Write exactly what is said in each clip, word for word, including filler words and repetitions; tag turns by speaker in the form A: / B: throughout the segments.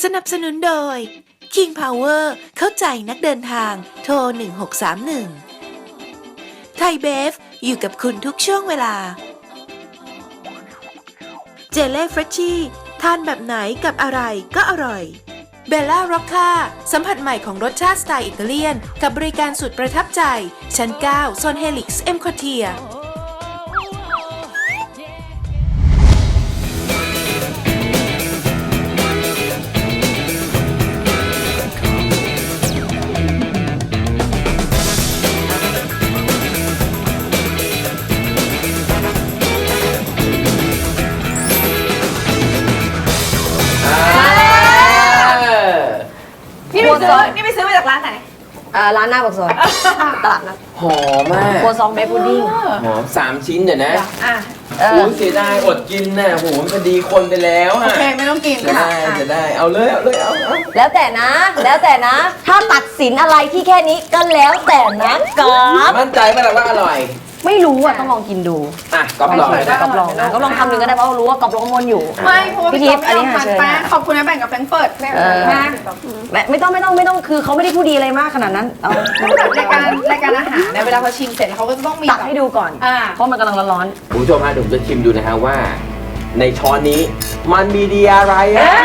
A: นับสนุนโดย King Power เข้าใจนักเดินทางโทรหนึ่งหกสามหนึ่งไทยเบฟอยู่กับคุณทุกช่วงเวลาเจเล่เฟรชชี่ทานแบบไหนกับอะไรก็อร่อยเบลล่าร็อกค่าสัมผัสใหม่ของรสชาติสไตล์อิตาเลียนกับบริการสุดประทับใจชั้นเก้าโซนเฮลิกซ์เอ็มคอเทีย
B: นี่ไปซื้อนี่ไปซื้อมาจากร้านไหน
C: อ่าร้านหน้าปากซอยตลาดนัด
D: หอมมาก
C: ครัวซองเบพุดดิ้ง
D: หอมสามชิ้นเดี๋ยวนะ
B: อ่ะ
C: เอ
D: โอ้
C: อ
D: เสียดายอดกินน่ะโหมันพอดีคนไปแล้ว
B: โอ
D: อ่ะ
B: เคไม่ต้องกิน
D: จะ
B: ค่ะ
D: ได้
B: อ่ะ
D: จะได้เอาเลยเอาเลยเอาเอา
C: แล้วแต่นะ แล้วแต่นะ ถ้าตัดสินอะไรที่แค่นี้ก็แล้วแต่นะกราฟ
D: มั่นใจไหมล่ะว่าอร่อย
C: ไม่รู้อ่ะต้องลองกินดู
D: อ่ะก๊อฟลองเลยนะ
C: กอบลองนะก็ลองทำหนึ่งก็ได้เพราะรู้ว่ากอบลองมนอยู่
B: ไม่เพราะว่า
C: พี่
B: พี่
C: ทิ
B: ทิ
C: พ
B: พ
C: ย์
B: ย์
C: อันนี้
B: ไม่
C: หา
B: ทาน
C: เชิญ
B: แป้ง
C: นะ
B: ขอบคุณนะแบ่งกับแฟรงก์เฟิร์ต
C: เออ
B: นะ
C: ไม่ไม่ต้องไม่ต้องไม่ต้องคือเขาไม่ได้พูดดีอะไรมากขนาดนั้นเอา
B: แบบรายการรายการอาหารเนี่ยเวลาเขาชิมเสร็จเขาก็จะต้องมี
C: ตักให้ดูก่อน
B: อ่า
C: เพราะมันกำลังร้อน
D: คุณผู้ชมฮะเดี๋ยวผมจะชิมดูนะฮะว่า ในช้อนนี้มันมีดีอะไรอ่ะ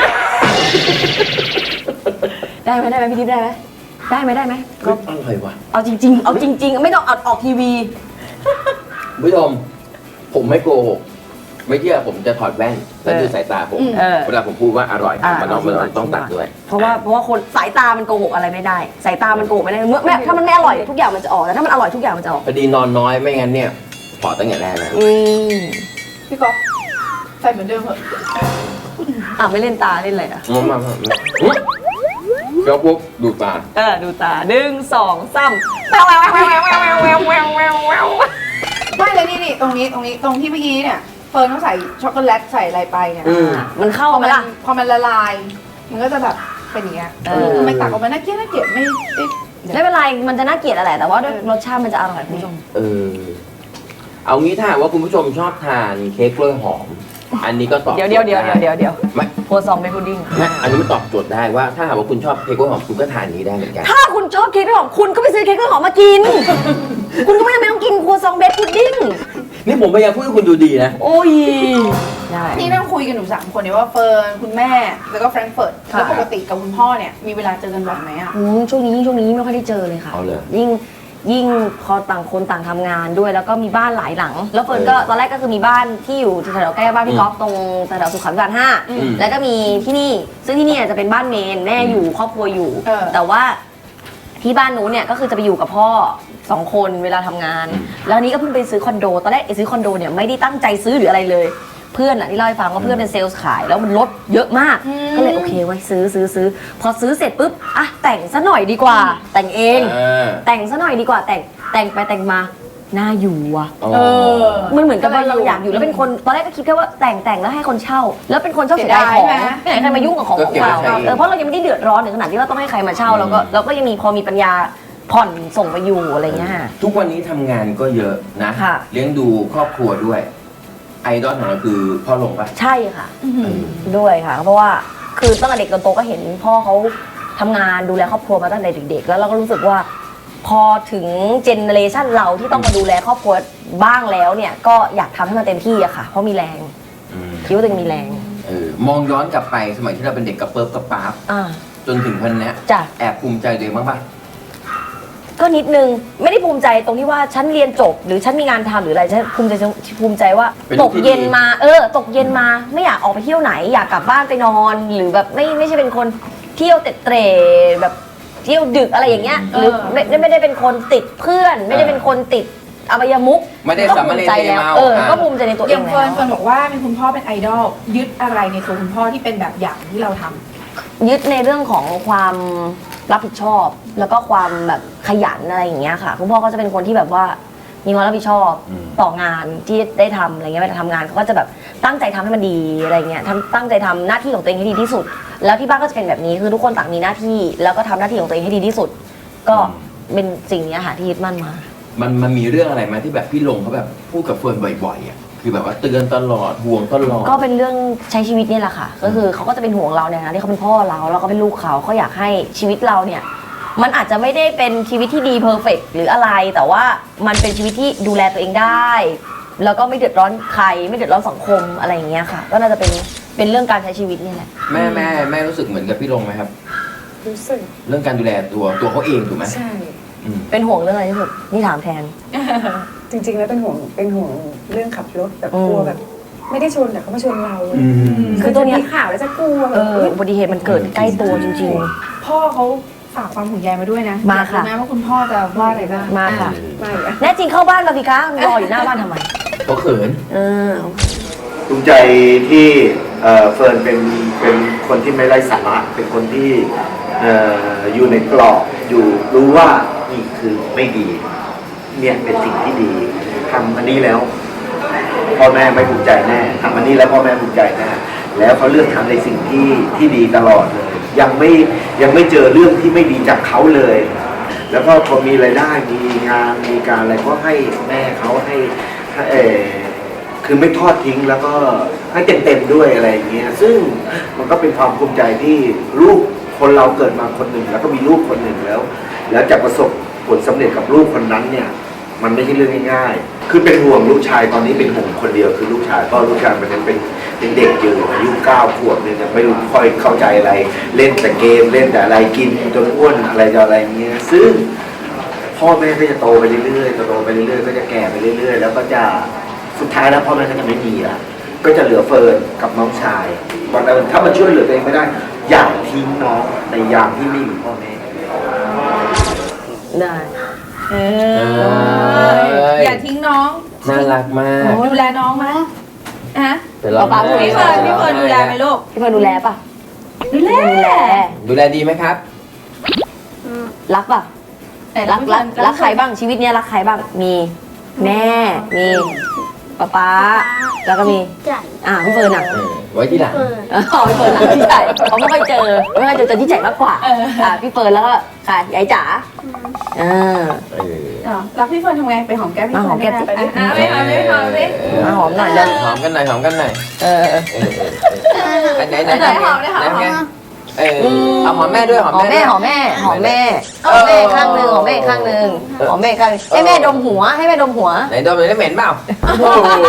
C: ๆได้ไหมได้ไหมพี่ทิพย์ได้ไหมได้ไหมได้ไหม
D: ก็อร่อยว่ะ
C: เอาจริง ๆ เอาจริง ๆ ไม่ต้องเอาออกทีวี
D: คุณผู้ชมผมไม่โกหกไม่เชื่อผมจะถอดแว่นแล้วดูสายตาผม
C: เออ
D: เวลาผมพูดว่าอร่อย
C: อ่ะ
D: มันต้อง
C: เอา
D: มัน
C: จริงๆ
D: ต้องตัดด้วย
C: เพราะว่าเพราะว่าคนสายตามันโกหกอะไรไม่ได้ สายตามันโกหกไม่ได้เมื่อแม่ถ้ามันไม่อร่อยทุกอย่างมันจะออกแต่ถ้ามันอร่อยทุกอย่างมันจะออก
D: พอดีนอนน้อยไม่งั้นเนี่ยขอตั้งแต่แรกแล้ว
C: อืม
B: พี่ก๊อฟใส่เหมือนเดิมเหรอะ
C: อ่ะไม่เล่นตาเล่นอะไรอ่ะ
D: มามามาเดี๋ยวปุ๊บดูตา
C: เออดูตาหนึ่งสองสามแววแววแววแววแววแววแววแววแวว
B: ไม่เลยนี่นี่ตรงนี้ตรงนี้ตรงที่เมื่อกี้เนี่ยเฟิร์นต้องใส่ช็อกโกแลตใส่อะไรไปเนี่ย
D: อืม
C: มันเข้า
B: พอ
C: ไหม
B: มัน
C: ล่ะ
B: พอมันละลาย มันก็จะแบบเป็นอย่างเงี้ย
C: เออ
B: ทำไมตักออกมาน่าเกลียดน่าเกลียดไม่ไม่
C: ไม่เป็นไรมันจะน่าเกลียดอะไรแต่ว่าด้วยรสชาติมันจะอร่อยคุณผู้ชม
D: เออ เอางี้ถ้าหากว่าคุณผู้ชมชอบทานเค้กกล้วยหอม อันนี้ก็ตอบ
C: เดี๋ยวเดี๋ยวเดี๋ยวเดี๋ยวเดี๋ยว
D: ไม่
C: โครัวซองเบพุดดิ้ง
D: ไม่อันนี้มันตอบโจทย์ได้ว่าถ้าหากว่าคุณชอบเค้กกล้วยหอมคุณก็ทานนี้ได้เหมือนกัน
C: ถ้าคุณชอบเค้กกล้วยหอมคุณก็ไปซื้อเค้กกล้วยหอมมากิน คุณก็ไม่จำเป็นต้องกินครัวซองเบพุดดิ้ง
D: นี่ผมพยายามพูดให้คุณดูดีนะ
C: โอ้ยได้
B: นี่นั่งคุยกันหนูสามคนเนี่ยว่าเฟิร์นคุณแม่แล้วก็แฟรงก์เฟิร์ต
C: ค่ะ
B: แล้วปกติกับคุณพ่อเนี่ยมีเวลาเจอกันบ่อยไหมอ่ะ
C: อืมช่วงนี้ยิ่งช่วงนี้ไม่ค่อยได้เจอเลยค่ะ
D: เอาเลย
C: ยิ่งยิ่งพอต่างคนต่างทำงานด้วยแล้วก็มีบ้านหลายหลัง แล้วเฟิร์นก็ตอนแรกก็คือมีบ้านที่อยู่แถวๆใกล้บ้านพี่ก๊อฟตรงแถวๆสุขาภิบาลห้า
D: อืม
C: แล้วก็มีที่นี่ซึ่งที่นี่จะเป็นบ้านเมนแม่อยู่ครอบครัวอยู่
B: เออ
C: แต่ว่าที่บ้านนู้นเนี่ยก็คือจะไปอยู่กับพ่อสองคนเวลาทำงาน แล้วอันนี้ก็เพิ่งไปซื้อคอนโดตอนแรกไอ้ซื้อคอนโดเนี่ยไม่ได้ตั้งใจซื้อหรืออะไรเลย เพื่อนอะที่เล่าให้ฟังว่าเพื่อนเป็นเซลล์ขายแล้วมันลดเยอะมาก ก็เลยโอเคไว้ซื้อซื้อซื้อพอซื้อเสร็จปุ๊บอ่ะแต่งซะหน่อยดีกว่า แต่งเอง
D: เออ
C: แต่งซะหน่อยดีกว่าแต่งแต่งไปแต่งมาน่าอยู่ว่ะ
D: อ๋อ
B: เออ
C: มันเหมือนกับว่าเราอยากอยู่แล้วเป็นคนตอนแรกก็คิดแค่ว่าแต่งแต่งแล้วให้คนเช่า แล้วเป็นคนชอบเสียดายของ
B: เสียดายไหม
C: ไม่อยากให้ใครมายุ่งกับของของเราเออเพราะเรายังไม่ได้เดือดร้อนถึงขนาดที่ว่าต้องให้ใครมาเช่าเราก็เราก็ยังมีพอมีปัญญาผ่อนส่งไปอยู่อะไรเงี้ย
D: ทุกวันนี้ทำงานก็เยอะนะ
C: ค่ะ
D: เลี้ยงดูครอบครัวด้วย ไอดอลของเราคือพ่อหลงปะ
C: ใช่ค่ะ
D: เออ
C: ด้วยค่ะ เพราะว่าคือตั้งแต่เด็กจนโตก็เห็นพ่อเขาทำงานดูแลครอบครัวมาตั้งแต่เด็กๆ แล้วเราก็รู้สึกว่า พอถึงเจเนเรชันเราที่ต้องมาดูแลครอบครัวบ้างแล้วเนี่ยก็อยากทำให้มันเต็มที่อะค่ะ เพราะมีแรง
D: อืม
C: คิดว่าตัวเองมีแรง
D: เออมองย้อนกลับไปสมัยที่เราเป็นเด็กกระเปิบกระป๊าบ
C: อ่า
D: จนถึงวันเนี้ย
C: จ้ะ
D: แอบภูมิใจตัวเองบ้างปะ
C: ก็นิดนึงไม่ได้ภูมิใจตรงที่ว่าฉันเรียนจบ หรือฉันมีงานทำหรืออะไรฉันภูมิใจภูมิใจว่าตกเย็นมาเออ ตกเย็นมาไม่อยากออกไปเที่ยวไหน อยากกลับบ้านไปนอน หรือแบบไม่ไม่ใช่เป็นคนเที่ยวเตะเตร่แบบเที่ยวดึกอะไรอย่างเงี้ยหรือไม่ไม่ได้เป็นคนติดเพื่อน ไม่ได้เป็นคนติดอบายมุก
D: ไม่ได้
C: ก็
D: สาม
C: ภู
D: เณ
C: มิ
D: ร
C: ใจ
D: เท
C: แล้ว
D: เมา
C: เออ
D: อ่ะ
C: ก็ภูมิใจในตัวเอ
B: อย่าง ง
C: แล้
B: เฟิร์น
C: ว
B: เฟิร์นบอกว่ามีคุณพ่อเป็นไอดอลยึดอะไรในตัวคุณพ่อที่เป็นแบบอย่างที่เราทำ
C: ยึดในเรื่องของความรับผิดชอบ แล้วก็ความแบบขยันอะไรอย่างเงี้ยค่ะคุณพ่อก็จะเป็นคนที่แบบว่ามีความรับผิดชอบ
D: อืม
C: ต่องานที่ได้ทำอะไรเงี้ยเวลาทำงานเขาก็จะแบบตั้งใจทำให้มันดีอะไรเงี้ยทำตั้งใจทำหน้าที่ของตัวเองให้ดีที่สุด แล้วที่บ้านก็จะเป็นแบบนี้คือทุกคนต่างมีหน้าที่ แล้วก็ทำหน้าที่ของตัวเองให้ดีที่สุด ก็เป็นสิ่งนี้ค่ะที่ยึดมั่นมา
D: มันมันมีเรื่องอะไรไหมาที่แบบพี่ลงเขาแบบพูดกับเฟิร์นบ่อยๆอ่ะคือแบบว่าเตือนตลอดห่วงตลอด
C: ก็เป็นเรื่องใช้ชีวิตนี่แหละค่ะ ก็คือเขาก็จะเป็นห่วงเราเนี่ยนะที่เขาเป็นพ่อเราแล้วก็เป็นลูกเขาเขาอยากให้ชีวิตเราเนี่ยมันอาจจะไม่ได้เป็นชีวิตที่ดีเพอร์เฟกต์หรืออะไรแต่ว่ามันเป็นชีวิตที่ดูแลตัวเองได้ แล้วก็ไม่เดือดร้อนใครไม่เดือดร้อนสังคมอะไรอย่างเงี้ยค่ะ ก็น่าจะเป็นเป็นเรื่องการใช้ชีวิตนี่แหละ
D: แม่แม่แม่รู้สึกเหมือนกับพี่ลงไหมครับ
E: รู้สึก
D: เรื่องการดูแลตัวตัวเขาเองถูกไหม
E: ใช่
D: อืม
C: เป็นห่วงเรื่องอะไรที่สุดนี่ถามแทน
E: จริงๆแล้วเป็นห่วงเป็นห่วงเรื่องขับรถแบบ
C: อืม
E: กลัวแบบ ไม่ได้ชนแต่เขามาชนเรา
D: อืม
C: คือตัวเนี้ย
E: มีข่าวแล้วจะกลัว
C: เอออุบัติเหตุมันเกิดใกล้ตัวจริง
B: พ่อเขาฝากความห่วงใยมาด้วยนะ
C: มาค่ะ
B: อยกรู้นะว่าคุณพ่อจะว่าอะไรบ้าง
C: ๆ มาค่ะ
E: ไม่อะ
C: แน่จริงเข้าบ้านมาสิคะรออยู่หน้าบ้านทำไม
D: เขาเขิน
C: เออ
F: ภูมิใจที่เอ่อเฟิร์นเป็นเป็นคนที่ไม่ไร้สาระเป็นคนที่เอ่ออยู่ในกรอบอยู่รู้ว่านี่คือไม่ดี เนี่ยเป็นสิ่งที่ดีทำอันนี้แล้วพ่อแม่ไม่ภูมิใจแน่ทำอันนี้แล้วพ่อแม่ภูมิใจแน่แล้วเขาเลือกทำในสิ่งที่ที่ดีตลอดเลย ยังไม่ยังไม่เจอเรื่องที่ไม่ดีจากเขาเลย แล้วก็พอมีรายได้มีงานมีการอะไรก็ให้แม่เขาให้ให้เอ่อ คือไม่ทอดทิ้งแล้วก็ให้เต็มๆด้วยอะไรอย่างเงี้ยซึ่งมันก็เป็นความภูมิใจที่ลูกคนเราเกิดมาคนหนึ่งแล้วก็มีลูกคนหนึ่งแล้ว แล้วจะประสบผลสำเร็จกับลูกคนนั้นเนี่ยมันไม่ใช่เรื่องง่ายๆคือเป็นห่วงลูกชายตอนนี้เป็นห่วงคนเดียวคือลูกชายเพราะลูกชายมันยังเป็นเป็นเด็กอยู่อายุเก้าขวบเนี่ยยังไม่รู้ค่อยเข้าใจอะไร เล่นแต่เกมเล่นแต่อะไรกินจนอ้วนอะไรจะอะไรเงี้ยซึ่งพ่อแม่ก็จะโตไปเรื่อยๆโตไปเรื่อยๆก็จะแก่ไปเรื่อยๆแล้วก็จะ สุดท้ายแล้วพ่อแม่ก็จะไม่มีละก็จะเหลือเฟิร์นกับน้องชายวันนั้นถ้ามันช่วยเหลือตัวเองไม่ได้ อย่าทิ้งน้องในยามที่ไม่มีพ่อแม่
C: ได้
B: เอ
D: เอ้
B: อย อย่าทิ้งน้อง
D: น่ารักมาก
B: ดูแลน้องไหมฮะ
D: แต่เรา
C: ป๊าพูด
B: พี่เฟิร์นพี่เฟิร์นดูแลไหมลูก
C: พี่เฟิร์นดูแลป่ะ
B: ดูแล
C: ดูแล
D: ดูแลดีไหมครับ
C: รักป่ะ
B: แต่
C: รักรักรักใครบ้างชีวิตเนี้ยรักใครบ้างมีแม่มีป๊าป๊าแล้วก็มี
G: ใหญ่
C: อ่าพี่เฟิร์นอ่ะ
D: เออไว้ที่หลัง
G: เปิด
C: อ๋อพี่เฟิร์นหลังที่ใหญ่เขาไม่ค่อยเจอไม่ค่อยเจอเจอที่ใหญ่มากกว่าอ่าพี่เฟิร์นแล้วก็ค่ะยายจ๋าอ่า
D: เออ
B: อ๋อรักพี่เฟิร์นทำไงไปหอมแก้มพี่
C: มา
B: เฟิ
C: ห
B: ร์
C: อน มแก้มสิ
B: ไปดิอ่ะไปหอมไปหอมสิ
C: มาหอมหน่อยเร็ว
D: หอมกันหน่อยหอมกันหน่อย
C: เออ
D: เออเออเอออันไหนไหน
B: ไหนหอมไหนหอม
D: ไงเออเอาหอมแม่ด้วยหอม
C: หอม
D: แม่
C: แม่หอมแม่หอมแม่หอมแม่ข้างหนึ่งหอมแม่ข้างหนึ่งหอมแม่ข้างหนึ่งให้แม่ดมหัวให้แม่ดมหัว
D: ไหนดมเลยได้เหม็นเปล่าโอ้โห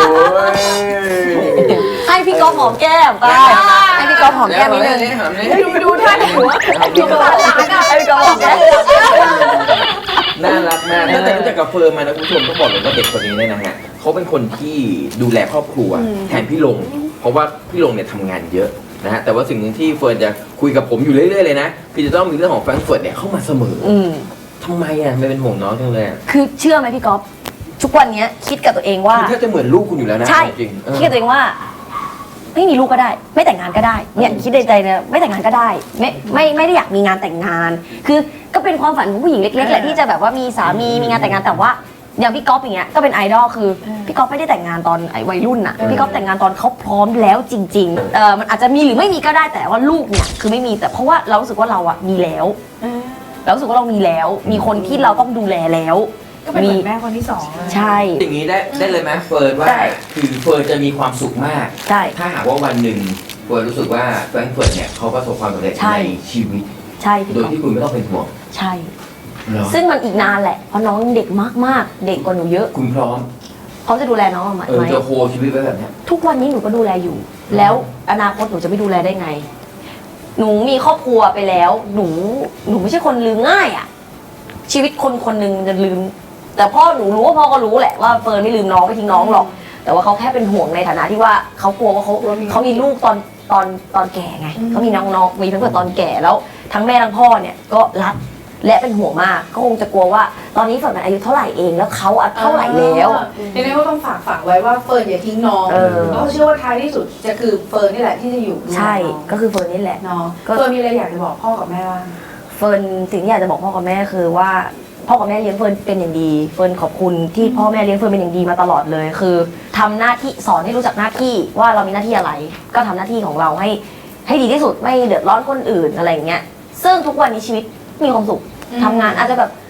C: ให้พี่ก๊อฟหอมแก้มป้าให้พี่ก๊อฟหอมแก้มนิดนึง
D: หอมเลย
B: ดูดูท่าหัว
C: ให้พี่ก๊อฟหอมแก้มให้พี่ก๊อฟหอมแก้ม
D: น่ารักมากตั้งแต่รู้จักกับเฟิร์นมานะคุณผู้ชมต้องบอกเลยว่าเด็กคนนี้เนี่ยนะฮะเขาเป็นคนที่ดูแลครอบครัวแทนพี่ลง เพราะว่าพี่ลงเนี่ยทำงานเยอะนะฮะแต่ว่าสิ่งหนึ่งที่เฟิร์นจะคุยกับผมอยู่เรื่อยๆเลยนะพี่จะต้องมีเรื่องของแฟรงก์เฟิร์ตเนี่ยเข้ามาเสมอ
C: อืม
D: ทำไมอ่ะไม่เป็นห่วงน้องจังเลยอะ
C: คือเชื่อไหมพี่ก๊อฟทุกวันเนี้ยคิดกับตัวเองว่า
D: คือแทบจะเหมือนลูกคุณอยู่แล้วนะ
C: ใช่
D: จริงๆเออ
C: คิดกับตัวเองว่า ไม่มีลูกก็ได้ ไม่แต่งงานก็ได้เนี่ยคิดในใจเนี่ยไม่แต่งงานก็ได้ ไม่ไม่ไม่ได้อยากมีงานแต่งงาน คือก็เป็นความฝันของผู้หญิงเล็กๆแหละที่จะแบบว่ามีสามีมีงานแต่งงานแต่ว่าอย่างพี่ก๊อฟอย่างเงี้ยก็เป็นไอดอลคือพี่ก๊อฟไม่ได้แต่งงานตอนไอ้วัยรุ่นน่ะพี่ก๊อฟแต่งงานตอนเขาพร้อมแล้วจริงๆเออมันอาจจะมีหรือไม่มีก็ได้แต่ว่าลูกเนี่ยคือไม่มีแต่เพราะว่าเรารู้สึกว่าเราอะมีแล้วเรารู้สึกว่าเรามีแล้ว มีคนที่เราต้องดูแลแล้ว
B: ก็เป็นเหมือนแม่คนที่สองเลย
C: ใช่
D: อย่างนี้ได้ได้เลยไหมเฟิร์นว่า
C: ได้
D: คือเฟิร์นจะมีความสุขมาก
C: ใช่
D: ถ้าหากว่าวันหนึ่งเฟิร์นรู้สึกว่าแฟรงก์เฟิร์ตเนี่ยเขาประสบความสำเร็จ
C: ใช่
D: ในชีวิต
C: ใช่พี่
D: โดย
C: ก๊อฟ
D: ที่คุณไม่ต้องเป็นห่วง
C: ใช่
D: เหรอ
C: ซึ่งมันอีกนานแหละเพราะน้องยังเด็กมากๆ เด็กกว่าหนูเยอะ
D: คุณพร้อม
C: เขาจะดูแลน้องไหม
D: เออจะโฮชีวิตไว้แบบเนี้ย
C: ทุกวันนี้หนูก็ดูแลอยู่ แล้วอนาคตหนูจะไม่ดูแลได้ไง หนูมีครอบครัวไปแล้ว หนูหนูไม่ใช่คนลืมง่ายอะชีวิตคนคนหนึ่งจะลืม แต่พ่อหนูรู้ว่าพ่อก็รู้แหละว่าเฟิร์นไม่ลืมน้องไม่ทิ้งน้องหรอก แต่ว่าเขาแค่เป็นห่วงในฐานะที่ว่าเขากลัวว่าเขาเขามีลูกตอนตอนตอนแก่ไงเขามีน้องๆมีเพื่อนตอนแก่แล้วทั้งแม่ทั้งพ่อเนี่ยก็รักและเป็นห่วงมากก็คงจะกลัวว่า ตอนนี้เฟิร์นอายุเท่าไหร่เองแล้วเขาอายุเท่าไหร่แล้ว
B: ทีนี้ก็ต้องฝากฝังไว้ว่าเฟิร์นอย่าทิ้งน้อง
C: เออ
B: เพราะเชื่อว่าท้ายที่สุดจะคือเฟิร์นนี่แหละที่จะอยู่ดูแล
C: ใช่
B: น้อง
C: ก็คือเฟิร์นนี่แหละ
B: เนาะ
C: ก็
B: เฟิร์นมีอะไรอยากจะบอกพ่อกับแม่บ้าง
C: เฟิร์นสิ่งที่อยากจะบอกพ่อกับแม่คือว่าพ่อกับแม่เลี้ยงเฟิร์นเป็นอย่างดีเฟิร์นขอบคุณที่พ่อแม่เลี้ยงเฟิร์นเป็นอย่างดีมาตลอดเลย คือทำหน้าที่สอนให้รู้จักหน้าที่ว่าเรามีหน้าที่อะไร ก็ทำหน้าที่ของเราให้ให้ดีที่สุดไม่เดือดร้อนคนอื่นอะไรอย่างเงี้ยซึ่งทุกวันนี้ชีวิตมีความสุขทำงานอาจจะแบบ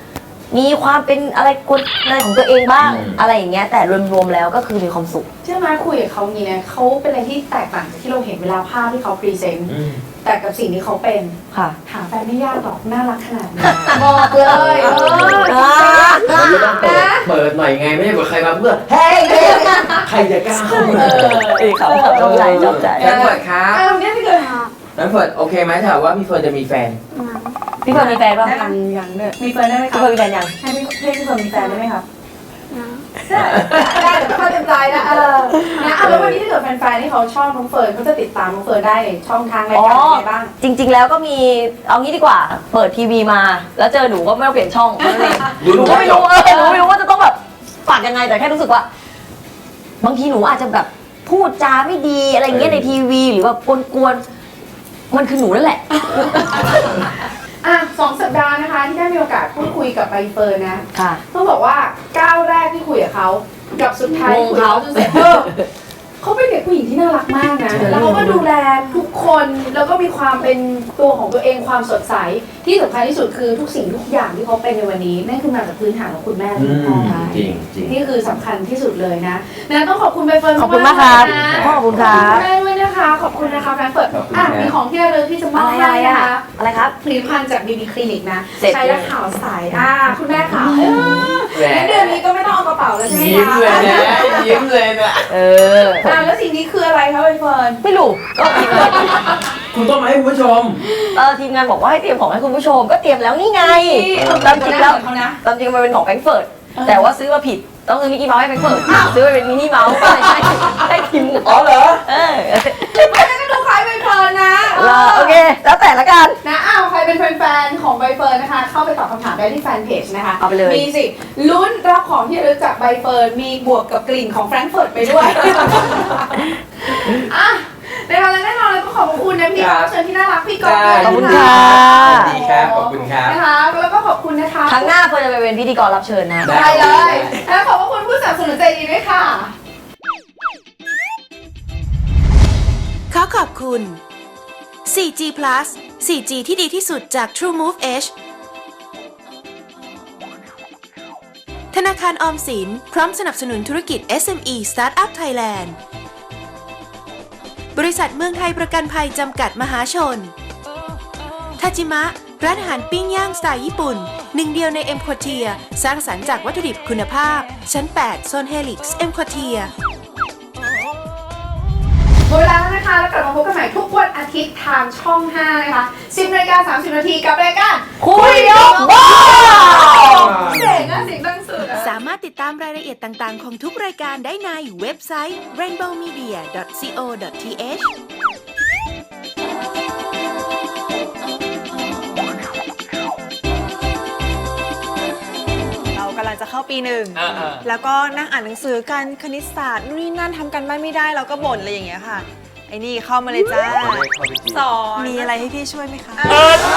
C: มีความเป็นอะไรคนอะไรของตัวเองบ้าง
D: อืม
C: อะไรอย่างเงี้ยแต่รวมๆแล้วก็คือมีความสุข
B: เชื่อไหมคุยกับเขาอย่างนี้เนี่ยเขาเป็นอะไรที่แตกต่างจากที่เราเห็นเวลาภาพที่เขาพรีเซนต์
D: อืม
B: แต่กับสิ่งที่เขาเป็น
C: ค่ะ
B: หาแฟนไม่ยากหรอกน่ารักขนาดนี้บอกเลยเออ
D: เราจะต้องเปิดเปิดหน่อยไงไม่ใช่เปิดใครมาเพื่อเฮ้ยเฮ้ยใครจะกล้าเข้ามา
C: เอ้ยครับชอบใจชอบใจ
D: แฟนเฟิร์ดครับ
B: เออเนี่ยที่เกิด
D: แฟนเฟิร์ดโอเคไหมถ้าว่าพี่เฟิร์นจะมีแฟน
C: พี่เฟิร์นมีแฟนป่ะ
B: ยังยังเนี่ยมีแฟนได้ไหม
C: พี่
B: คะ
C: เฟิร์นมีแฟนยัง
B: ให้พี่ให้พี่เฟิร์นมีแฟนได้ไหมคะได้ได้เดี๋ยวเขาเต็มใจนะเออนะเอาแล้ววันนี้ถ้าเกิดแฟนๆที่เขาชอบน้องเฟิร์นเขาจะติดตามน้องเฟิร์นได้ในช่องทางรายการอะไรบ้าง
C: จริง ๆ แล้วก็มีเอางี้ดีกว่า เปิดทีวีมา แล้วเจอหนูก็ไม่ต้องเปลี่ยนช่องนั่นเอง
D: ดู
C: หนูก็ไม่รู้เออหนูไม่รู้ว่าจะต้องแบบฝากยังไงแต่แค่รู้สึกว่า บางทีหนูอาจจะแบบพูดจาไม่ดีอะไรอย่างเงี้ยในทีวีหรือแบบกวนๆมันคือหนูนั่นแหละ
B: อ่ะสองสัปดาห์นะคะที่ได้มีโอกาสพูดคุยกับใบเฟิร์นนะ
C: ค่ะ
B: ต้องบอกว่าก้าวแรกที่คุยกับเขากับสุดท้าย
C: งง
B: คุยกับ
C: เขา
B: เขาจนเสร็จเออเขาเป็นเด็กผู้หญิงที่น่ารักมากนะแล้วเขาก็ดูแลทุกคนแล้วก็มีความเป็นตัวของตัวเองความสดใสที่สำคัญที่สุดคือทุกสิ่งทุกอย่างที่เขาเป็นในวันนี้นั่นคือมาจากพื้นฐานของคุณแม่และ
D: อื
B: คุณพ่อ
D: มจริงจริง
B: นี่คือสำคัญที่สุดเลยนะนะต้องขอบคุณใบเฟิร์น
C: ขอบคุณมากครับ
B: ๆนะ
C: ขอบคุณครับ
B: ขอบคุณแม่ด้วยนะคะ ขอบคุณนะคะแฟนเฟิร์น
D: ขอบคุณ
B: อ่ะ
D: ครับ
B: มีของที่ระลึกที่จะมอบ
C: อะไร
B: ให้
C: อะ
B: นะคะ
C: อะไรครับ
B: ผลิตภัณฑ์จากบีบีคลินิกนะ
C: เสร็จ
B: ใช้แล้วขาวใสอ่าคุณแม่ขาวเออ
D: แหม
B: งั้นเดือนนี้ก็ไม่ต้องเอากระเป๋าแล้วใช่ไหม
D: ยิ้ม
B: คะ
D: เลยนะยิ้มเลยนะ
C: เออ
B: อ่าแล้วสิ่งนี้คืออะไรคะใบเฟิร์น
C: ไม่รู้ก็ทีมงาน
D: คุณต้องมาให้คุณผู้ชม
C: เออทีมงานบอกว่าให้เตรียมของให้คุณผู้ชมก็เตรียมแล้วนี่ไง
B: เออ
C: ตามจริงแล้ว
B: เขานะ
C: ตามจริงมันเป็นของแฟรงก์เฟิร์ตแต่ว่าซื้อมาผิดต้องซื้อมิกกี้เมาส์ให้แฟรงก์เฟิร์ตซื้อไปเป็นมินิเมาส์ก็เลยให้ให้ทีมงาน
D: อ๋อเหรอ
C: เออ
B: ไม่ได้ก็ดูคล้ายใบเฟิร์นนะ
C: เออโอเค แล้วแต่ละกัน
B: นะอ้าวใครเป็นแฟนๆของใบเฟิร์นนะคะ เข้าไปตอบคำถามได้ที่แฟนเพจนะคะ
C: เอาไปเลย
B: มีสิลุ้นรับของที่ระลึกจากใบเฟิร์นมีบวกกับกลิ่นของแฟรงก์เฟิร์ตไปด้วย อ่ะในวันและแน่นอนเลยต้องขอบคุณนะพี่
D: ครับ
B: รับเชิญที่น่ารักพี่กอล์ฟ
D: ได้
B: ด้วย
C: ขอบคุณ
B: น
C: ค่ะ
D: ดีครับขอบคุณครับ
B: นะคะแล้วก็ขอบคุณนะคะ
C: ครั้งหน้าเฟิร์นจะไปเป็นพิธีกรรับเชิญนะ
D: ได้
B: ได้เลยแล้วขอบพระคุณผู้สนับสนุนใจดีด้วยค่ะ
A: ขอขอบคุณ โฟร์จี Plus โฟร์จี ที่ดีที่สุดจาก TrueMove Edge ธนาคารออมสินพร้อมสนับสนุนธุรกิจ เอส เอ็ม อี Startup Thailand บริษัทเมืองไทยประกันภัยจำกัดมหาชน ทาจิมะ ร้านอาหารปิ้งย่างสไตล์ญี่ปุ่น หนึ่งเดียวในเอ็มควอเทีย สร้างสรรค์จากวัตถุดิบคุณภาพ ชั้น แปด โซนเฮลิกซ์เอ็มควอเทีย
B: หมดเวลาแล้วนะคะ แล้วกลับมาพบกันใหม่ทุกวันอาทิตย์ทางช่อง ห้า นะคะ สิบนาฬิกาสามสิบนาทีกับรายการ
C: คุยยกบ้าน
B: เสียงอะเสียงดังสุดอะ
A: สามารถติดตามรายละเอียดต่าง ๆ ของทุกรายการได้ในเว็บไซต์ เรนโบว์มีเดีย ดอท ซี โอ ดอท ที เอช
G: เรากำลังจะเข้าปีหนึ่ง
D: อ่า
G: แล้วก็นั่งอ่านหนังสือกันคณิตศาสตร์นู่นนี่นั่นทำกันบ้านไม่ได้เราก็บ่นอะไรอย่างเงี้ยค่ะ ไอ้นี่เข้ามาเลยจ้า สอน มีอะไรให้พี่ช่วยไหมคะ
D: เออ